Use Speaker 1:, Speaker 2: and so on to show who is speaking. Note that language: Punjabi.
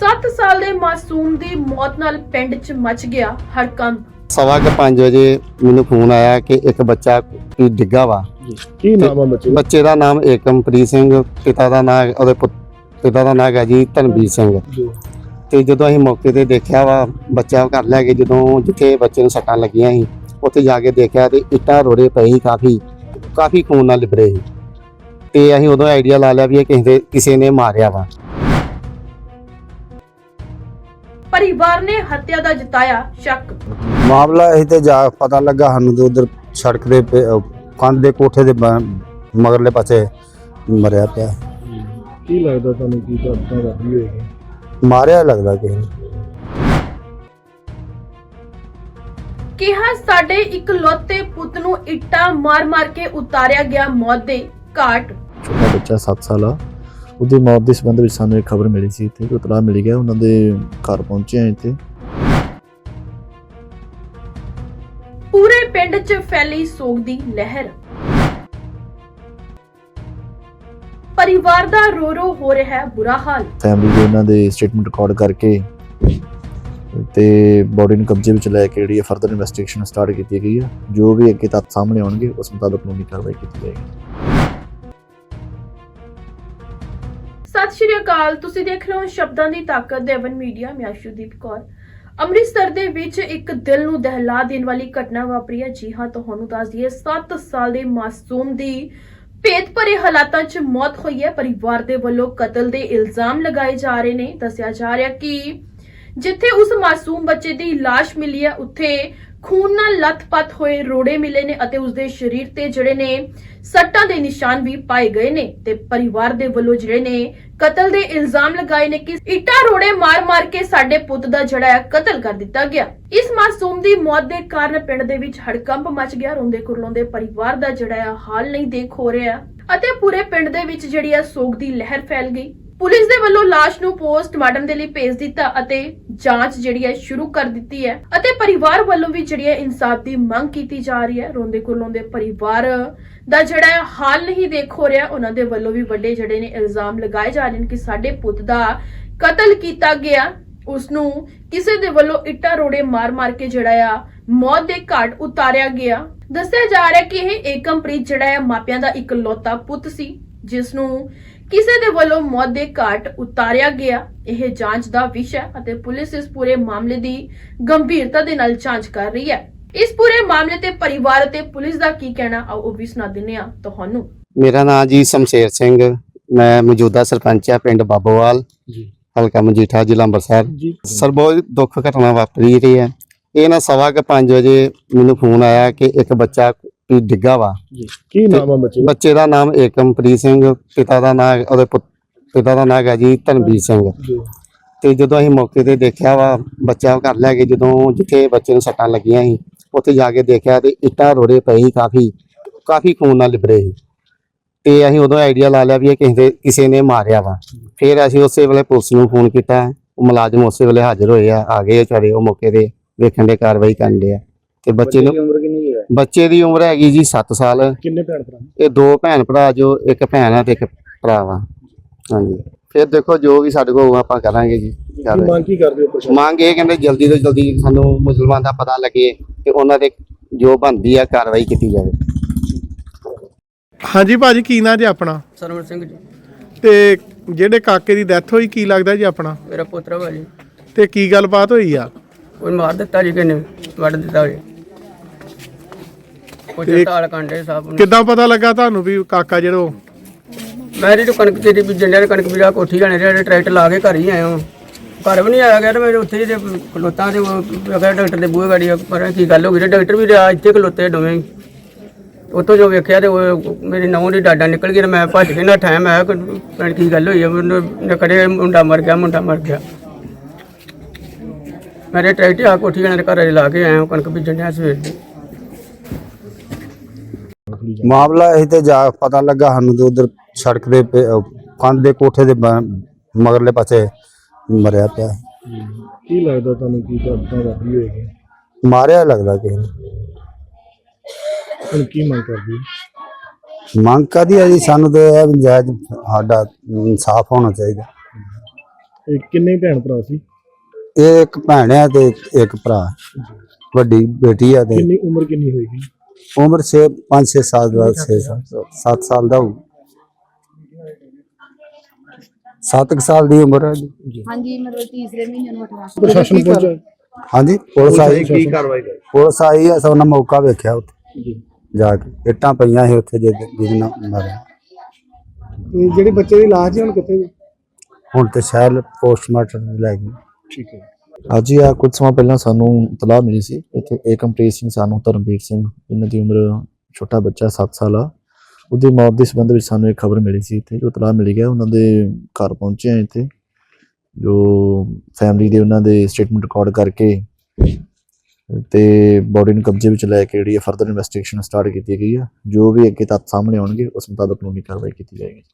Speaker 1: 7 ਸਾਲ ਦੇ ਮਾਸੂਮ ਦੀ ਮੌਤ ਨਾਲ ਪਿੰਡ 'ਚ ਮਚ ਗਿਆ ਹੜਕੰਪ।
Speaker 2: 5:15 ਵਜੇ ਮੈਨੂੰ ਫੋਨ ਆਇਆ ਕਿ ਇੱਕ ਬੱਚਾ ਡਿੱਗਾ ਵਾ।
Speaker 3: ਕੀ ਨਾਮ ਆ
Speaker 2: ਬੱਚੇ ਦਾ ਨਾਮ ਏਕਮਪ੍ਰੀਤ ਸਿੰਘ, ਪਿਤਾ ਦਾ ਨਾਮ ਉਹਦੇ ਪਿਤਾ ਦਾ ਨਾਮ ਹੈ ਜੀ ਧਨਵੀਰ ਸਿੰਘ। ਤੇ ਜਦੋਂ ਅਸੀਂ ਮੌਕੇ ਤੇ ਦੇਖਿਆ ਵਾ, ਬੱਚਾ ਘਰ ਲੈ ਕੇ ਜਦੋਂ ਜਿੱਥੇ ਬੱਚੇ ਨੂੰ ਸੱਟਾਂ ਲੱਗੀਆਂ ਸੀ ਉੱਥੇ ਜਾ ਕੇ ਦੇਖਿਆ ਤੇ ਇੱਟਾਂ ਰੋੜੇ ਪਏ ਸੀ, ਕਾਫੀ ਖੂਨ ਨਾਲ ਲਿਬੜੇ ਸੀ। ਤੇ ਅਸੀਂ ਉਦੋਂ ਆਈਡੀਆ ਲਾ ਲਿਆ ਵੀ ਇਹ ਕਿਸੇ ਨੇ ਮਾਰਿਆ ਵਾ।
Speaker 1: परिवार ने हत्या का जताया शक।
Speaker 4: मामला यही ते जा पता लगा सानू तो उधर सड़क दे कंध दे कोठे दे मगरले पासे मरिया पिया।
Speaker 3: ਕੀ ਲੱਗਦਾ ਤੁਹਾਨੂੰ ਕੀ ਘਟਨਾ ਵਾਪਰੀ ਹੋਏਗੀ?
Speaker 4: मारिया लगदा किसी ने।
Speaker 1: ਕਿਹਾ ਸਾਡੇ ਇਕਲੌਤੇ ਪੁੱਤ ਨੂੰ ਇੱਟਾਂ ਮਾਰ-ਮਾਰ ਕੇ ਉਤਾਰਿਆ ਗਿਆ ਮੌਤ ਦੇ ਘਾਟ।
Speaker 3: ਛੋਟਾ ਬੱਚਾ 7 ਸਾਲ ਆ, ਉਹਦੀ ਮੌਤ ਦੇ ਸੰਬੰਧ ਵਿੱਚ ਸਾਨੂੰ ਇੱਕ ਖਬਰ ਮਿਲੀ ਸੀ ਤੇ ਇਤਲਾਹ ਮਿਲ ਗਿਆ। ਉਹਨਾਂ ਦੇ ਘਰ ਪਹੁੰਚੇ ਆ ਇੱਥੇ।
Speaker 1: ਪੂਰੇ ਪਿੰਡ 'ਚ ਫੈਲੀ ਸੋਗ ਦੀ ਲਹਿਰ। ਪਰਿਵਾਰ ਦਾ ਰੋ ਹੋ ਰਿਹਾ ਹੈ ਬੁਰਾ ਹਾਲ।
Speaker 3: ਫੈਮਿਲੀ ਦੇ ਉਹਨਾਂ ਦੇ ਸਟੇਟਮੈਂਟ ਰਿਕਾਰਡ ਕਰਕੇ ਤੇ ਬੋਡੀ ਨੂੰ ਕਬਜ਼ੇ ਵਿੱਚ ਲੈ ਕੇ ਜਿਹੜੀ ਫਰਦਰ ਇਨਵੈਸਟੀਗੇਸ਼ਨ ਸਟਾਰਟ ਕੀਤੀ ਗਈ ਹੈ। ਜੋ ਵੀ ਅੱਗੇ ਤੱਥ ਸਾਹਮਣੇ ਆਉਣਗੇ ਉਸ ਮੁਤਾਬਕ ਕਾਨੂੰਨੀ ਕਾਰਵਾਈ ਕੀਤੀ ਜਾਏਗੀ।
Speaker 1: ਸਤਿ ਸ਼੍ਰੀ ਅਕਾਲ, ਤੁਸੀਂ ਦੇਖ ਰਹੇ ਹੋ ਸ਼ਬਦਾਂ ਦੀ ਤਾਕਤ ਦੇਵਨ ਮੀਡੀਆ। ਮੈਂ ਅਸ਼ੂਦੀਪ ਕੌਰ। ਅੰਮ੍ਰਿਤਸਰ ਦੇ ਵਿੱਚ ਇੱਕ ਦਿਲ ਨੂੰ ਦਹਿਲਾ ਦੇਣ ਵਾਲੀ ਘਟਨਾ ਵਾਪਰੀ ਹੈ। ਜੀ ਹਾਂ, ਤੁਹਾਨੂੰ ਦੱਸ ਦਈਏ 7 ਸਾਲ ਦੇ ਮਾਸੂਮ ਦੀ ਭੇਤ ਭਰੇ ਹਾਲਾਤਾਂ 'ਚ ਮੌਤ ਹੋਈ ਹੈ। ਪਰਿਵਾਰ ਦੇ ਵੱਲੋਂ ਕਤਲ ਦੇ ਇਲਜ਼ਾਮ ਲਗਾਏ ਜਾ ਰਹੇ ਨੇ। ਦੱਸਿਆ ਜਾ ਰਿਹਾ ਕਿ ਜਿੱਥੇ ਉਸ ਮਾਸੂਮ ਬੱਚੇ ਦੀ ਲਾਸ਼ ਮਿਲੀ ਹੈ ਉੱਥੇ ਖੂਨ ਨਾਲ ਲੱਥਪੱਥ ਹੋਏ ਰੋੜੇ ਮਿਲੇ ਨੇ ਅਤੇ ਉਸਦੇ ਸਰੀਰ ਤੇ ਜਿਹੜੇ ਨੇ ਸੱਟਾਂ ਦੇ ਨਿਸ਼ਾਨ ਵੀ ਪਾਏ ਗਏ ਨੇ। ਤੇ ਪਰਿਵਾਰ ਦੇ ਵੱਲੋਂ ਜਿਹੜੇ ਨੇ ਕਤਲ ਦੇ ਇਲਜ਼ਾਮ ਲਗਾਏ ਨੇ ਕਿ ਇੱਟਾਂ ਰੋੜੇ ਮਾਰ-ਮਾਰ ਕੇ ਸਾਡੇ ਪੁੱਤ ਦਾ ਜਿਹੜਾ ਹੈ ਕਤਲ ਕਰ ਦਿੱਤਾ ਗਿਆ। ਇਸ ਮਾਸੂਮ ਦੀ ਮੌਤ ਦੇ ਕਾਰਨ ਪਿੰਡ ਦੇ ਵਿੱਚ ਹੜਕੰਪ ਮਚ ਗਿਆ। ਰੋਂਦੇ ਕੁਰਲਾਉਂਦੇ ਪਰਿਵਾਰ ਦਾ ਜਿਹੜਾ ਹੈ ਹਾਲ ਨਹੀਂ ਦੇਖ ਹੋ ਰਿਹਾ ਅਤੇ ਪੂਰੇ ਪਿੰਡ ਦੇ ਵਿੱਚ ਜਿਹੜੀ ਹੈ ਸੋਗ ਦੀ ਲਹਿਰ ਫੈਲ ਗਈ। ਪੁਲਿਸ ਦੇ ਵੱਲੋਂ ਲਾਸ਼ ਨੂੰ ਪੋਸਟਮਾਰਟਮ ਦੇ ਲਈ ਭੇਜ ਦਿੱਤਾ ਅਤੇ ਜਾਂਚ ਜਿਹੜੀ ਹੈ ਸ਼ੁਰੂ ਕਰ ਦਿੱਤੀ ਹੈ ਅਤੇ ਪਰਿਵਾਰ ਵੱਲੋਂ ਵੀ ਜਿਹੜੀ ਹੈ ਇਨਸਾਫ ਦੀ ਮੰਗ ਕੀਤੀ ਜਾ ਰਹੀ ਹੈ। ਰੋਂਦੇ ਕੁਰਲਾਉਂਦੇ ਪਰਿਵਾਰ ਦਾ ਜਿਹੜਾ ਹੈ ਹਾਲ ਨਹੀਂ ਦੇਖ ਹੋ ਰਿਹਾ। ਉਹਨਾਂ ਦੇ ਵੱਲੋਂ ਵੀ ਵੱਡੇ ਜਿਹੜੇ ਨੇ ਇਲਜ਼ਾਮ ਲਗਾਏ ਜਾ ਰਹੇ ਨੇ ਕਿ ਸਾਡੇ ਪੁੱਤ ਦਾ ਕਤਲ ਕੀਤਾ ਗਿਆ। ਉਸ ਨੂੰ ਕਿਸੇ ਦੇ ਵੱਲੋਂ ਇੱਟਾਂ ਰੋੜੇ ਮਾਰ-ਮਾਰ ਕੇ ਜਿਹੜਾ ਆ ਮੌਤ ਦੇ ਘਾਟ ਉਤਾਰਿਆ ਗਿਆ। ਦੱਸਿਆ ਜਾ ਰਿਹਾ ਕਿ ਇਹ ਏਕਮਪ੍ਰੀਤ ਜਿਹੜਾ ਹੈ ਮਾਪਿਆਂ ਦਾ ਇਕਲੌਤਾ ਪੁੱਤ ਸੀ ਜਿਸ ਨੂੰ ਕਿਸੇ ਦੇ ਵੱਲੋਂ ਮੌਤ ਦੇ ਘਾਟ ਉਤਾਰਿਆ ਗਿਆ। ਇਹ ਜਾਂਚ ਦਾ ਵਿਸ਼ਾ ਹੈ ਅਤੇ ਪੁਲਿਸ ਇਸ ਪੂਰੇ ਮਾਮਲੇ ਦੀ ਗੰਭੀਰਤਾ ਦੇ ਨਾਲ ਜਾਂਚ ਕਰ ਰਹੀ ਹੈ। ਇਸ ਪੂਰੇ ਮਾਮਲੇ ਤੇ ਪਰਿਵਾਰ ਅਤੇ ਪੁਲਿਸ ਦਾ ਕੀ ਕਹਿਣਾ ਆਓ ਉਹ ਵੀ ਸੁਣਾ ਦਿੰਦੇ ਆ ਤੁਹਾਨੂੰ।
Speaker 2: ਮੇਰਾ ਨਾਮ ਜੀ ਸ਼ਮਸ਼ੇਰ ਸਿੰਘ, ਮੈਂ ਮੌਜੂਦਾ ਸਰਪੰਚ ਆ ਪਿੰਡ ਬਾਬੋਵਾਲ
Speaker 3: ਜੀ,
Speaker 2: ਹਲਕਾ ਮਜੀਠਾ, ਜ਼ਿਲ੍ਹਾ ਅੰਮ੍ਰਿਤਸਰ। ਸਰ, ਬਹੁਤ ਦੁੱਖ ਘਟਨਾ ਵਾਪਰੀ ਰਹੀ ਹੈ। ਇਹ ਨਾ 5:15 ਵਜੇ ਮੈਨੂੰ ਫੋਨ ਆਇਆ ਕਿ ਇੱਕ ਬੱਚਾ ਡਿੱਗਾ ਵਾ।
Speaker 3: ਕੀ ਨਾਮ ਆ
Speaker 2: ਬੱਚੇ ਦਾ ਨਾਮ ਏਕਮਪ੍ਰੀਤ ਸਿੰਘ, ਪਿਤਾ ਦਾ ਨਾਮ ਉਹਦੇ ਪਿਤਾ ਦਾ ਨਾਮ ਹੈ ਜੀ ਧਨਵੀਰ ਸਿੰਘ। ਤੇ ਜਦੋਂ ਅਸੀਂ ਮੌਕੇ ਤੇ ਦੇਖਿਆ ਵਾ, ਬੱਚਾ ਘਰ ਲੈ ਕੇ ਜਦੋਂ ਜਿੱਥੇ ਬੱਚੇ ਨੂੰ ਸੱਟਾਂ ਲੱਗੀਆਂ ਸੀ ਉੱਥੇ ਜਾ ਕੇ ਦੇਖਿਆ ਤੇ ਇੱਟਾਂ ਰੋੜੇ ਪਏ ਸੀ, ਕਾਫੀ ਖੂਨ ਨਾਲ ਲਿਬੜੇ ਸੀ। ਤੇ ਅਸੀਂ ਉਦੋਂ ਆਈਡੀਆ ਲਾ ਲਿਆ ਵੀ ਇਹ ਕਿਸੇ ਨੇ ਮਾਰਿਆ ਵਾ। ਫਿਰ ਅਸੀਂ ਉਸੇ ਵੇਲੇ ਪੁਲਿਸ ਨੂੰ ਫੋਨ ਕੀਤਾ। ਉਹ ਮੁਲਾਜ਼ਮ ਉਸੇ ਵੇਲੇ ਹਾਜ਼ਰ ਹੋਏ ਆ ਗਏ ਵਿਚਾਰੇ। ਉਹ ਮੌਕੇ ਤੇ ਵੇਖਣ ਦੇ ਕਾਰਵਾਈ ਕਰਨ ਦੇ ਆ। ਤੇ ਬੱਚੇ ਨੂੰ ਬੱਚੇ ਦੀ ਉਮਰ ਹੈਗੀ ਜੀ 7 ਸਾਲ।
Speaker 3: ਕਿੰਨੇ ਭੈਣ ਭਰਾ?
Speaker 2: ਇਹ 2 ਭੈਣ ਭਰਾ, ਜੋ ਇੱਕ ਭੈਣ ਆ ਤੇ ਇੱਕ ਭਰਾ ਵਾ। ਹਾਂਜੀ, ਫਿਰ ਦੇਖੋ ਜੋ ਵੀ ਸਾਡੇ ਕੋਲ ਆਪਾਂ ਕਰਾਂਗੇ ਜੀ।
Speaker 3: ਮੰਗ ਕੀ ਕਰਦੇ ਹੋ?
Speaker 2: ਮੰਗ ਇਹ ਕਹਿੰਦੇ ਜਲਦੀ ਤੋਂ ਜਲਦੀ ਸਾਨੂੰ ਮੁਸਲਮਾਨ ਦਾ ਪਤਾ ਲੱਗੇ ਤੇ ਉਹਨਾਂ ਦੇ ਜੋ ਬਣਦੀ ਆ ਕਾਰਵਾਈ ਕੀਤੀ ਜਾਵੇ।
Speaker 5: ਹਾਂਜੀ ਭਾਜੀ, ਕੀ ਨਾਂ ਜੀ ਆਪਣਾ?
Speaker 6: ਸਰਵਣ ਸਿੰਘ ਜੀ।
Speaker 5: ਤੇ ਜਿਹੜੇ ਕਾਕੇ ਦੀ ਡੈਥ ਹੋਈ ਕੀ ਲੱਗਦਾ ਜੀ ਆਪਣਾ?
Speaker 6: ਮੇਰਾ ਪੁੱਤਰ ਵਾ ਜੀ।
Speaker 5: ਤੇ ਕੀ ਗੱਲਬਾਤ ਹੋਈ ਆ?
Speaker 6: ਕੋਈ ਮਾਰ ਦਿੱਤਾ ਜੀ, ਕਿਨੇ ਵੱਢ ਦਿੱਤਾ ਜੀ। ਕੋਈ ਤਾਲ ਕਾਂਡੇ ਸਾਹਿਬ ਨੂੰ।
Speaker 5: ਕਿੱਦਾਂ ਪਤਾ ਲੱਗਾ ਤੁਹਾਨੂੰ ਵੀ ਕਾਕਾ ਜਿਹੜਾ?
Speaker 6: ਮੈਂ ਜਿਹੜੀ ਕਣਕ ਤੇਰੀ ਬੀਜਣ ਡਿਆ, ਕਣਕ ਬੀਜਾ ਕੋਠੀ ਜਾਣੇ ਜਿਹੜੇ ਟਰੈਕਟਰ ਲਾ ਕੇ ਘਰ ਹੀ ਆਇਆ ਹਾਂ। ਘਰ ਵੀ ਨਹੀਂ ਆਇਆ ਗਿਆ ਤੇ ਮੈਂ ਉੱਥੇ ਜਿਹੇ ਖਲੋਤਾਂ ਤੇ ਡਾਕਟਰ ਦੇ ਬੂਹੇ ਗਾੜੀ ਪਰ ਕੀ ਗੱਲ ਹੋ ਗਈ। ਡਾਕਟਰ ਵੀ ਰਿਹਾ ਇੱਥੇ ਖਲੋਤੇ ਦੋਵੇਂ। ਉੱਥੋਂ ਜੋ ਵੇਖਿਆ ਤੇ ਉਹ ਮੇਰੀ ਨਹੁੰ ਦੀ ਡਾਡਾ ਨਿਕਲ ਗਈ। ਮੈਂ ਭੱਜ ਕੇ ਨਾ ਠਾਇਆ। ਮੈਂ ਕੀ ਗੱਲ ਹੋਈ ਆ? ਮੈਨੂੰ ਕੜੇ ਮੁੰਡਾ ਮਰ ਗਿਆ। ਮੇਰੇ ਟਰੈਕਟਰ ਆ ਕੋਠੀ ਜਾਣੇ ਘਰ ਲਾ ਕੇ ਆਇਆ ਕਣਕ ਬੀਜਣ ਡਿਆ ਸਵੇਰ ਦੀ।
Speaker 4: मामला यही ते जा पता लगा सानू तो उधर सड़क दे कंध दे कोठे दे मगरले पासे मरिया पिया।
Speaker 3: ਕੀ ਲੱਗਦਾ ਤੁਹਾਨੂੰ ਕੀ ਘਟਨਾ ਵਾਪਰੀ ਹੋਏਗੀ?
Speaker 4: मारिया लगदा किसी ने।
Speaker 3: ਹੁਣ ਕੀ ਮੰਗ ਕਰਦੇ?
Speaker 4: ਮੰਗ ਕਰਦੀ ਹੈ ਜੀ ਸਾਨੂੰ ਤੇ ਇਹ ਵੀ ਜਾਇਜ਼ ਸਾਡਾ ਇਨਸਾਫ ਹੋਣਾ ਚਾਹੀਦਾ।
Speaker 3: ਇਹ ਕਿੰਨੇ ਭੈਣ ਭਰਾ ਸੀ?
Speaker 4: ਇਹ ਇੱਕ ਭੈਣ ਆ ਤੇ ਇੱਕ ਭਰਾ, ਵੱਡੀ ਬੇਟੀ ਆ ਤੇ
Speaker 3: ਕਿੰਨੀ ਉਮਰ ਕਿੰਨੀ ਹੋਏਗੀ?
Speaker 4: ਉਮਰ 5-6 ਸਾਲ ਦਾ 7 ਸਾਲ ਦਾ 7 ਸਾਲ ਦੀ ਉਮਰ ਹੈ ਜੀ।
Speaker 7: ਹਾਂਜੀ ਮਤਲਬ ਤੀਸਰੇ ਮਹੀਨੇ ਨੂੰ 8ਵਾਂ
Speaker 3: ਪ੍ਰਸ਼ਾਸਨ ਪਹੁੰਚਾ?
Speaker 4: ਹਾਂਜੀ ਪੁਲਿਸ ਆਈ,
Speaker 3: ਕੀ ਕਾਰਵਾਈ ਕਰ?
Speaker 4: ਪੁਲਿਸ ਆਈ ਆ, ਸਭ ਨੇ ਮੌਕਾ ਵੇਖਿਆ ਉੱਥੇ ਜਾ ਕੇ, ਇੱਟਾਂ ਪਈਆਂ ਸੀ ਉੱਥੇ ਜਿਹਦੇ ਨਾਲ ਮਾਰਿਆ।
Speaker 5: ਜਿਹੜੇ ਬੱਚੇ ਦੀ ਲਾਸ਼ ਜੀ ਹੁਣ ਕਿੱਥੇ ਜੀ?
Speaker 4: ਹੁਣ ਤੇ ਸ਼ਾਇਦ ਪੋਸਟਮਾਰਟਮ ਲੈ ਗਏ।
Speaker 3: ਠੀਕ ਹੈ। ਅੱਜ ਹੀ ਆ ਕੁਝ ਸਮਾਂ ਪਹਿਲਾਂ ਸਾਨੂੰ ਇਤਲਾਹ ਮਿਲੀ ਸੀ ਇੱਥੇ ਏਕਮਪ੍ਰੀਤ ਸਿੰਘ ਸਾਨੂੰ ਧਰਮਵੀਰ ਸਿੰਘ, ਇਹਨਾਂ ਦੀ ਉਮਰ ਛੋਟਾ ਬੱਚਾ 7 ਸਾਲ ਆ, ਉਹਦੀ ਮੌਤ ਦੇ ਸੰਬੰਧ ਵਿੱਚ ਸਾਨੂੰ ਇੱਕ ਖਬਰ ਮਿਲੀ ਸੀ। ਇੱਥੇ ਜੋ ਇਤਲਾਹ ਮਿਲੀ ਗਿਆ ਉਹਨਾਂ ਦੇ ਘਰ ਪਹੁੰਚੇ ਆ ਇੱਥੇ, ਜੋ ਫੈਮਿਲੀ ਦੇ ਉਹਨਾਂ ਦੇ ਸਟੇਟਮੈਂਟ ਰਿਕਾਰਡ ਕਰਕੇ ਤੇ ਬੋਡੀ ਨੂੰ ਕਬਜ਼ੇ ਵਿੱਚ ਲੈ ਕੇ ਜਿਹੜੀ ਫਰਦਰ ਇਨਵੈਸਟੀਗੇਸ਼ਨ ਸਟਾਰਟ ਕੀਤੀ ਗਈ ਆ। ਜੋ ਵੀ ਅੱਗੇ ਤੱਥ ਸਾਹਮਣੇ ਆਉਣਗੇ ਉਸ ਮੁਤਾਬਕ ਕਾਨੂੰਨੀ ਕਾਰਵਾਈ ਕੀਤੀ ਜਾਏਗੀ।